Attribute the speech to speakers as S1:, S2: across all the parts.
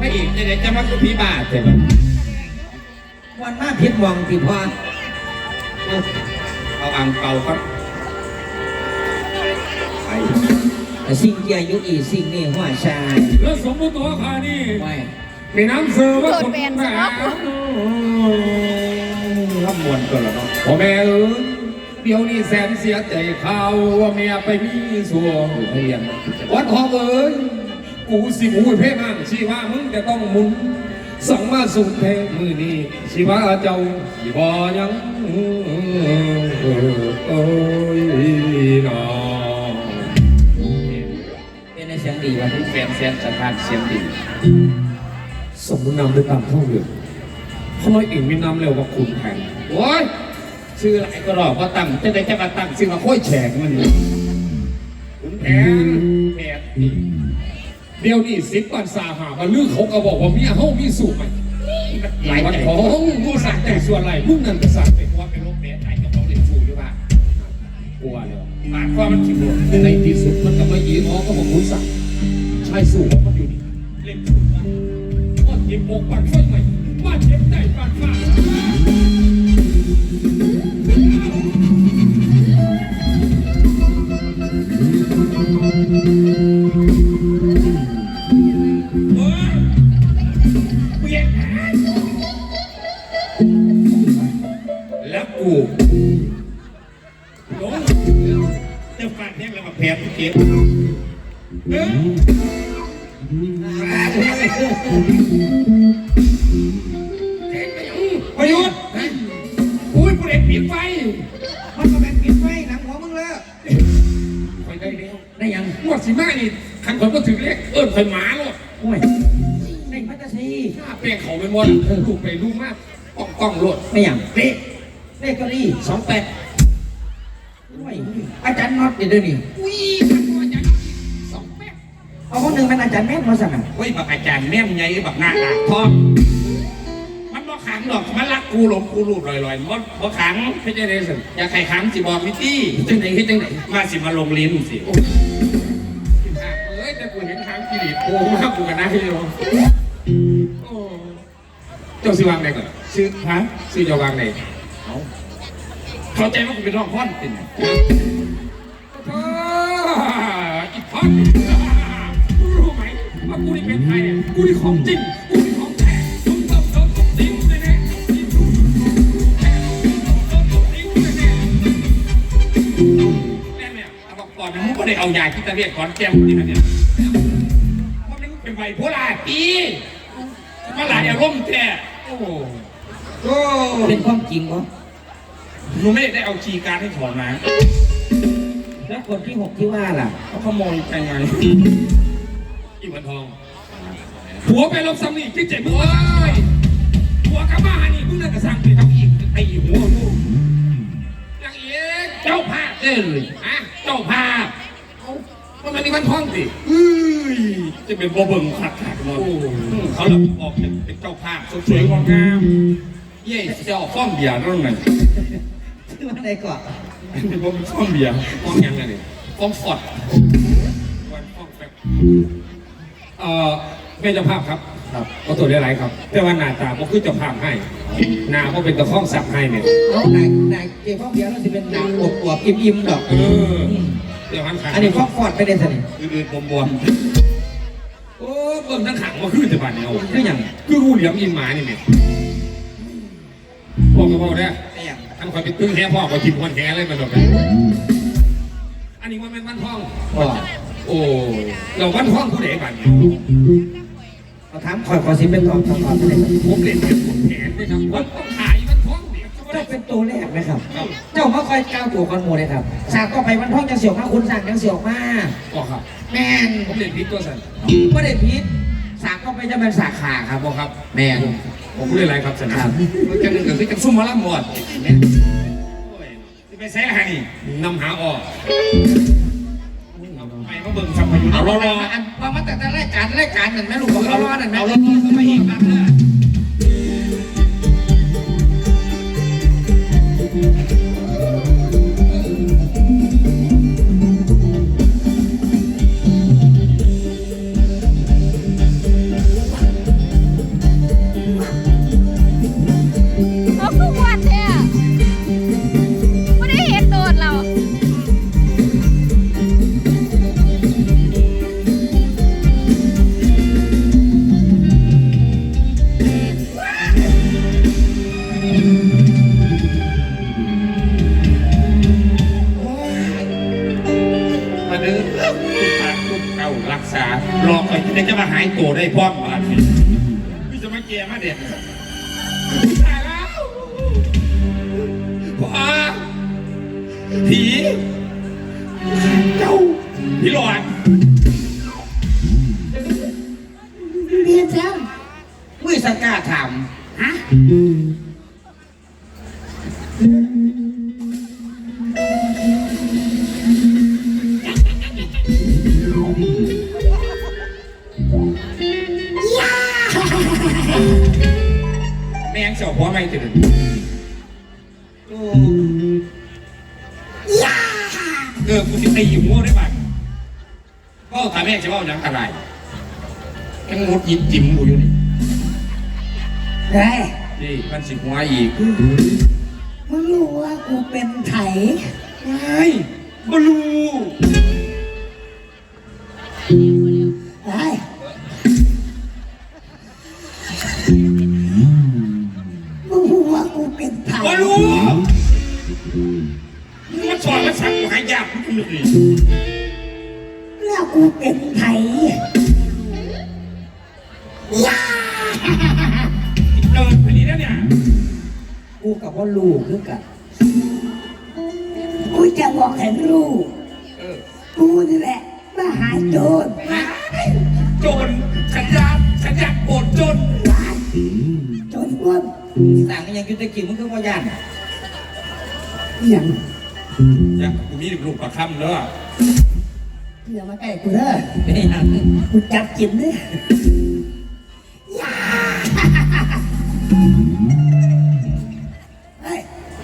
S1: อีกจะได้จะมาคือผีบาทใช่ไหม
S2: วันมาพิษมองที่พ่อ
S1: เอาอ่างเป่าครับ
S2: สิ่งเกียยุอีสิ่งนี้หัวชาย
S1: แล้วสมมติตัวข้านี่มีน้ำเสือว่าคนแม่รับมวลตัวละเนาะพ่อแม่เดี๋ยวนี้แสนเสียใจข่าวว่าเมียไปมีสัวเรียนวัดทองกูสิบูเพ่มั่งชีว่ามึงจะต้องมุนสั่งมาสุเพมือนี้ชีว่าเจ้าสิบ่ยังน้อ
S2: เป็นในเสียงดีวะ
S1: แฟนเสียงสถานเสียงดีสมมุตินำด้วยตามท่องเรือทำไมอีกมีนำเร็วกว่าคุณแผนโอ้ยชื่ออะไรก็รอว่าตั้งจะได้จะมาตั้งชื่อมาค่อยแฉกมันคุณแผนเดี๋ยวนี้10 วันสาหามาลือเขาก็บอกว่ามีเฮามีสูบไหมหลายวันของกูสั่งแต่ส่วนไรพวกนั้นก็สั่งไปว่าเป็นโรคแผลไตกับเขาเรียนสูหรือเปล่ากลัวเลยหมายความมันคิดว่าในที่สุดมันก็ไม่ยีง้อก็บอกคุณสั่งใช่สูบมันอยู่นี่เล่นสูบนะว่าเจ็บอกปันไฟใหม่ว่าเจ็บใจปันฟ้าแล้วกูหลงจะฟาดแทงแล้วมาแผลเก็บประยุทธ์อุ้ยผู้เด็กปิดไฟ
S2: มันก็เป็นปิดไฟหลังหัวมึงเลย
S1: ไปได้แล้ว
S2: ได้ยัง
S1: งวดสิมานี่ขันคนก็ถึงเรียกไฟหมาเลย
S2: โอ้ยได้พัฒนี
S1: ถ้าเปลี่ยนเขาเป็นวันถูกไปรู้มากกล้องรถ
S2: ไม่อย่างเลขก็ดี28อาจารย์น็อตเดี๋ยวนี้
S1: อุ้ยอาจารย์28
S2: เอาคนหนึ่งเป็นอาจารย์แม่มาสั่ง
S1: เฮ้ยแบบอาจารย์แม่ไงแบบหน้าทองมันบ่ขังหรอกมันรักกูหลงกูรูดลอยๆมันบ่ขังไม่ใช่เลยสิอยากใครขังสิบอกมิตี้จังไหนจังไหนมาสิมาลงลิ้นสิเอ้ยแต่กูเห็นทางกิริโกงมากกูกันนะพี่โยเจ้าสิวางไหนก่อนซื้อฮะซื้อจะวางไหนเข้าใจว่ากูเป็นน้องพ่อนติ่นอีพ่อนรู้ไหมว่ากูนี่เป็นใครเนี่ยกูนี่ของจริงกูนี่ของแท้ตุ้มติ้งเลยเนี่ยแม่เนี่ยเอาบอกก่อนมึงก็ได้เอายาคิดตะเวียนก่อนแก้มนี่นะเนี่ยเพราะมันเป็นไบโพล่าปีมาหลายอารมณ์แท้โอ้
S2: เป็นความจริงเหรอ
S1: หนูไม่ได้เอาชีการให้ถอนมา
S2: แล้วคนที่6ที่ว่าล่ะ
S1: เขาขโมยไปไงอีวันทองผัวไปลบซ้ำนี่คิดเจ็บหัวผัวกระบ้านี่มึงน่าจะสั่งไปทำอีกไอ้หัวลูกอย่างเอ๊ะเจ้าภาพเลยฮะเจ้าภาพมันนี่วันทองสิจะเป็นบ่เบิ่งขัดหมดเขาหลับออกเป็นเจ้าภาพสวยงามเย่เจ้าฟ้องเบียร์นั่นไง
S2: ชื่อว่าอะไรก่อน
S1: เป็นฟ้องเบียร์ฟ้องยังไงเนี่ยฟ้องฟอดวันฟ้องแป๊บเป็นเจ้าภาปครับก็ตัวได้ไรครับแต่ว่าหน้าตาก็คือเจ้าภาพให้หน้าก็เป็นตะข้องสับให้เนี่ย
S2: นายเจ้าฟ้องเบียร์เราจะเป็นหน้าอวบอิ่มดอก
S1: เดี๋ยว
S2: อันนี้ฟ้องฟอดไปได้สิ
S1: อื่นบวมโอ้เบิ่งทั้งขังมาขึ้นแต่บ้านเนี่ย
S2: คืออย่าง
S1: คือรูเหลี่ยมอินหมานี่เนี่ยพ่อก็บอกได้ทำคอยเป็นตื้อแค่พ่อก็ทิมคนแค่เลยมาดอกอันนี้มันเป็นวันท่องโอ้เราวันท่องผู้ใดบ้านเนี่ย
S2: เราถามขอสิเป็นตอนไม่ได้
S1: ผมเล่นเป็นผมแขนด้วยครับวันต้องขายวันท่องเนี่ย
S2: เจ้าเป็นตัวแรกไหมครับเจ้ามาคอยก้าวตัวคอนโมเลยครับสากก็ไปวันท่องยังเสียวมาคุณสั่งยังเสียวมา
S1: ก็ครับ
S2: แม่น
S1: ผมเล่นพิษตัวสั่น
S2: ไม่ได้พิษสากก็ไปจะเป็นสาขาครับ
S1: บอกครับ
S2: แม่
S1: ผมพูดอะไรครับสันครับจะหนึ่งคือจะซุ่มมาล่ำหมดจะไปแซ่ให้นำหาออกไปมาเบิ่งสัมผัสเอารอ
S2: อันมาแต่รายการนั่นแม่ลูกบอกรอนั่นแม่
S1: เอารอมาอีกครับได้พร้อมมาทีพี่จะมาแก่มาเด็ดตายแล้วพ่อผีเจ้าผีหลอน
S3: เรียนเจ้า
S2: มือสังกาถาม
S3: ฮะ
S1: แม่งเสียวหัวไม่ตื่น
S3: ย่า
S1: กูจะตีหัวได้บ้างก็ถามแม่จะว่าอย่างอะไรยังงดยิ้มจิ้มกูอยู่นี่
S3: เฮ้ย
S1: นี่มันสิหัวอีก
S3: มึงรู้ว่ากูเป็นไถ
S1: ไม่บลู
S3: เฮ้ยมึงรู้ว่ากูเป็นไถ
S1: บลูมันสอนมันสั่งกูหายากกูไม่รู้
S3: แล้วกูเป็นไถย่า
S1: เดินไปนี่แล้วเนี่ย
S2: กูกับว่าลูกคือกัน
S3: กูจะบอกให้รู้กูนี่แหละมาหาโจร
S1: โจรฉันอยากโอดจน
S3: โจรปล้น
S2: ต่างกันยังยุติกิจมึงคือว่าย่าน
S3: อย่าง
S1: อยากกูมีลูกประคำเนาะ
S3: อย่ามาใกล้กูเด้อ
S2: เป็นอย่าง
S3: กูจับกินเด้อย่าเฮ้ย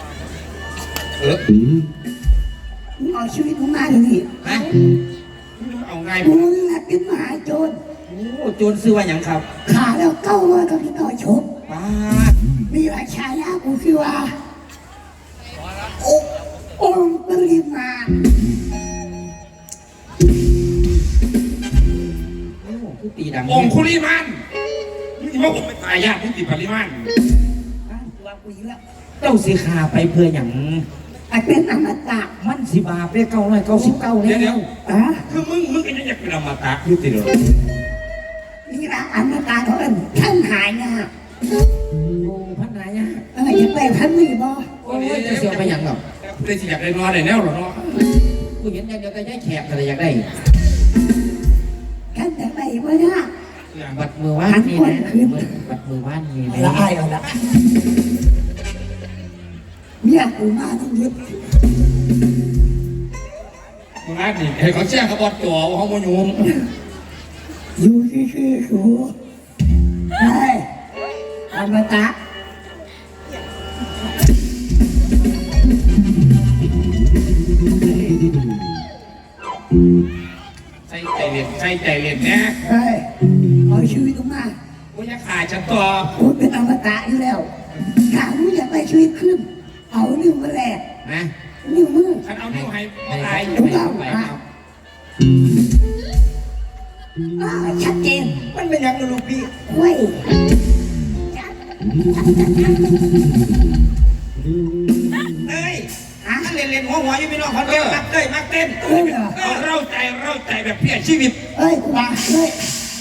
S3: มึงเอาชีวิตมึงมาเดี๋ยวนี้
S2: ฮะ
S1: เอาไง
S3: กูนี่แหละเป็นมหาโจร
S2: โอ้โจรซื้อว่าอย่างครับ
S3: ขาแล้วเก้าว่ากับพี่ต่อชม
S2: ป้า
S3: มีราชายากูคือว่าองค์ปริมาณ
S2: โอ้คือตีดัง
S1: องคุลิมันนี่ว่าผมเป็นตายยากที่ติดปริมัน
S3: ตัวกูอีกแล้ว
S2: เจ้าสีขาไปเพื่ออย่าง
S3: ไอ้เป็นอมตะ
S2: มันสิบาปได้999
S1: เดี๋ยว
S2: แล้ว
S3: อ่ะ
S1: คือมึงก็ยังอยากเป็นอมตะอยู่ติดเลย
S3: นี่ละอมตะเขาเอิ้นท่านหายนะ
S2: โอ้พันนายะ
S3: อยากได้พันนี่บ่
S2: โอ้ยจะเสียไปอย่างหรอก
S1: ได้สิอยากได้นอนได้แนวหรอเนาะ
S2: กูเห็นอย่างเดียวแต่ย้ายแขกอะไรอยากได้
S3: ท่านอยากได้บ่นะ
S2: บัดมือว่านนี่นะบัดมือว่านนี่
S3: ละ
S2: นะ
S3: อายเอาละเมียกูมาต้องยึด
S1: มึงอ่านนี่ให้เขาแจ้งเขาบอดตัวเขาโมยุม
S3: อยู่ชื่อสูเฮ้ยอมตะ
S1: ใส่ใจเรียนนะ
S3: เฮ้ยเอาชีวิตกูมา
S1: กูอยากขายฉันต่อ
S3: กูเป็นอมตะอยู่แล้วถามมึงอยากได้ชีวิตขึ้น เอานิ้วมาแลก
S2: นะ
S3: นิ้วมือ
S1: ฉันเอานิ้วให้มาตาย
S3: ถูกต้องอ่ะชัดเจน
S2: มันเป็นอย่างลูกพี่
S3: เว้ย
S2: เอ้ยถ้าเล่นหัวอยู่พี่น้องเขาเต้นมักเต้ยมักเต้น
S3: เอ้ยเหรอ
S1: เอาเร่าใจแบบเพี้ยชีวิต
S3: เอ้ยกูมาเฮ้ย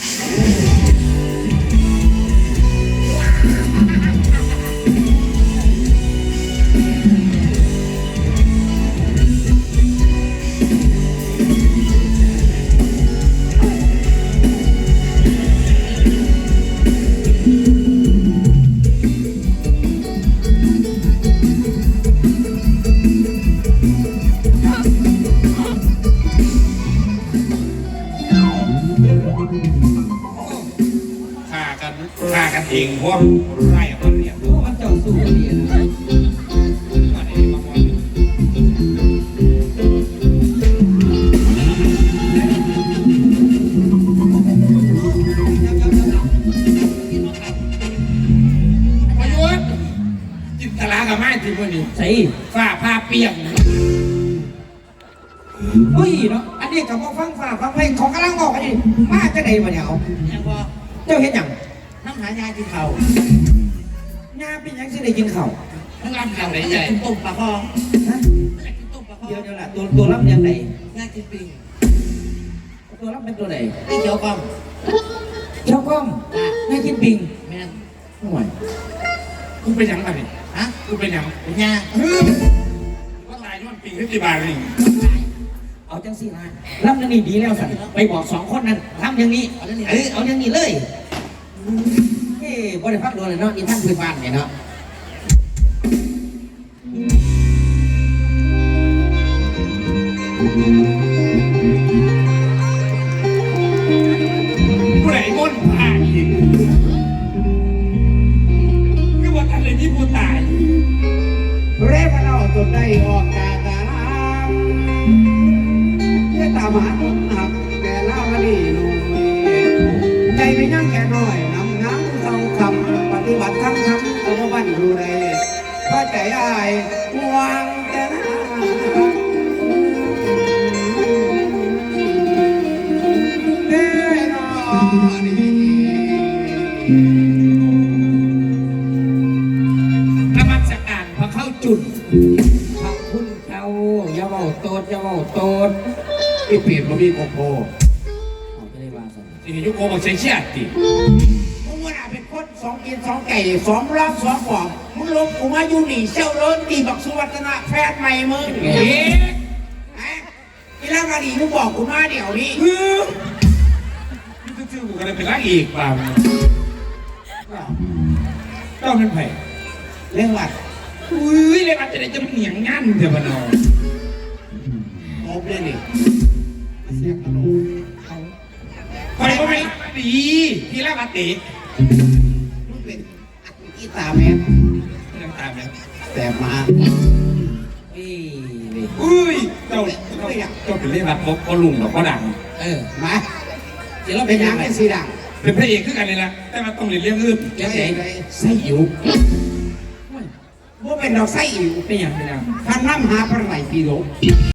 S1: ฆ่ากันเองเพราะไร่มันเนี่ย
S2: โอ้มันเจ้าสู้ดีนะ
S1: อันนี้มาวันประยุทธ์จินตลากับไม้ที่พวกนี้
S2: ใส่
S1: ฝ้าผ้าเปียก
S2: เฮ้ยเนาะอันนี้กับมาฟังฝ่าฟังเพลงของกำลังบอกกันดิมาจะได้มาเนี่ยเอา
S3: ยังพอ
S2: เจ้าเห็นอย่าง
S3: น้ำหายากินเขา
S2: งาเป็นยังสิได้กินข้าว
S1: ทั้งลำทางไหนใหญ่
S3: กินต้มปลาคอ
S2: ฮะ
S3: กินต้มปลาคอ
S2: เดี๋ยวล่ะตัวรับยังไง
S3: ยากินปิง
S2: ตัวรับเป็นตัวไหน
S3: ไอ้เขียวกล้อง
S2: เเจ้ากล้องนายกินปิง
S3: แม่น
S2: ห่วย
S1: กูเป็นหยังกันนี่
S3: ฮะ
S1: กูเป็นหยัง
S3: เป็นยา
S1: ว่าตายย้อนปิงที่บาทนี่
S2: เอาจังสินะลำอย่างนี้ดีแล้วสันไปบอกสองคนนั้นทำอย่างนี้เอาอย่างนี้เลยเฮ้บริพักโดนเลยเนาะอีท่านพื้นบ้านเนี่ยเนาะ
S1: ผู้ใดม้นผ่าอีกคือว่าทันเลยที่ผู้ตาย
S3: เรพเราจนได้ออกจากตารางเพื่อตามหาคนหักแต่ลาวดีลุงใจไม่ยั่งแค่น้อยนำน้ำเศร้าคำปฏิบัติทั้งตัวบ้านดูแลพระใจอายห่วงแต่นาเด้อนอดี
S1: นมัสการพอเข้าจุด
S2: ขอบคุณเขาอย่าเบาโตดอย่าเบาโตด
S3: ที่เปลี่ยนมามีโกโก้
S2: เอาไปเลยว่าสัน
S1: ที่ยุคโกบอกใช้เชี่ยติ
S3: มึงว่าเป็นคนสองกินสองไก่สองรับสองปอบมึงลงกูมาอยู่นี่เชี่ยวเลินตีบักสุวัฒนะแพทย์ใหม่มึง
S1: เอ๊ะ
S3: ฮะอีล่างมาดีมึงบอกกูมาเดี๋ยวนี้
S1: นี่คือกูก็เลยเป็นรักอีกเปล่าเจ้าเป็นไผ่
S3: เรื่องวัด
S1: อุ้ยเลยมันจะได้จะเหนียงงันเถอะมันเอา
S3: โอบเลยนี่เสียงกระโดด
S1: ไปก็ไม่ดีพี่ละมาเตะ
S3: มึงเป็นอีตาแม่
S1: น้ำตาเนี่ย
S3: แต่มา
S2: เอ้ยนี่
S1: อุ้ยเจ้าเป็นเรื่องรักก็ลุงหรอกก็ดัง
S3: มาเดี๋ยวเราเป็นยังไงสีดัง
S1: เป็นพระเอกคือกันเลยนะแต่มันต้องเรียนเรื่องอื่น
S3: เดี๋ยวไส้อิ๋วว่าเป็นดอกไส้อิ๋ว
S2: เป็นอย่างเป็นอย่าง
S3: ท่านน้ำหาพระไหลปีโล